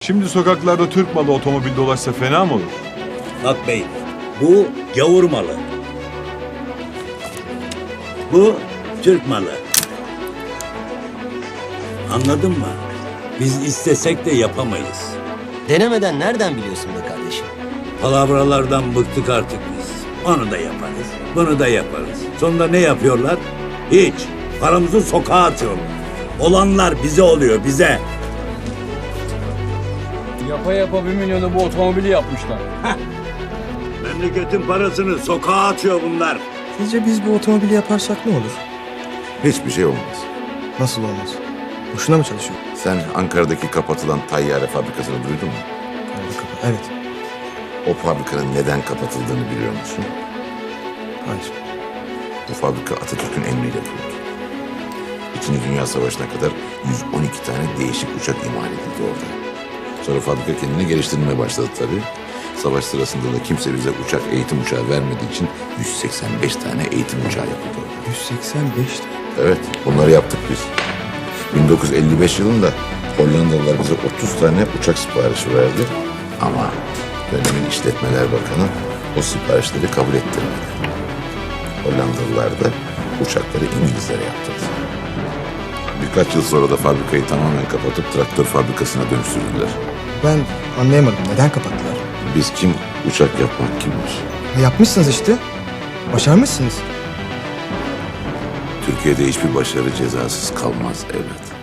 Şimdi sokaklarda Türk malı otomobil dolaşsa fena mı olur? Bak bey, bu gavur malı. Bu Türk malı. Anladın mı? Biz istesek de yapamayız. Denemeden nereden biliyorsun be kardeşim? Palavralardan bıktık artık biz. Onu da yaparız, bunu da yaparız. Sonunda ne yapıyorlar? Hiç. Paramızı sokağa atıyorlar. Olanlar bize oluyor, bize. Yapa yapa 1 milyonu bu otomobili yapmışlar. Memleketin parasını sokağa atıyor bunlar. Sizce biz bu otomobili yaparsak ne olur? Hiçbir şey olmaz. Nasıl olmaz? Boşuna mı çalışıyor? Sen Ankara'daki kapatılan tayyare fabrikasını duydun mu? Evet. O fabrikanın neden kapatıldığını biliyor musun? Hayır. Bu fabrika Atatürk'ün emriyle kuruldu. İkinci Dünya Savaşı'na kadar 112 tane değişik uçak imal edildi orada. Sonra fabrika kendini geliştirmeye başladı tabii. Savaş sırasında da kimse bize uçak eğitim uçağı vermediği için 185 tane eğitim uçağı yapıldı orada. 185. Evet, bunları yaptık biz. 1955 yılında Hollandalılar bize 30 tane uçak siparişi verdi. Ama dönemin İşletmeler Bakanı o siparişleri kabul ettirmedi. Hollandalılar da uçakları İngilizlere yaptırdı. Birkaç yıl sonra da fabrikayı tamamen kapatıp traktör fabrikasına dönüştürdüler. Ben anlayamadım. Neden kapattılar? Biz kim, uçak yapmak kimmiş? Yapmışsınız işte. Başarmışsınız. Türkiye'de hiçbir başarı cezasız kalmaz evlat.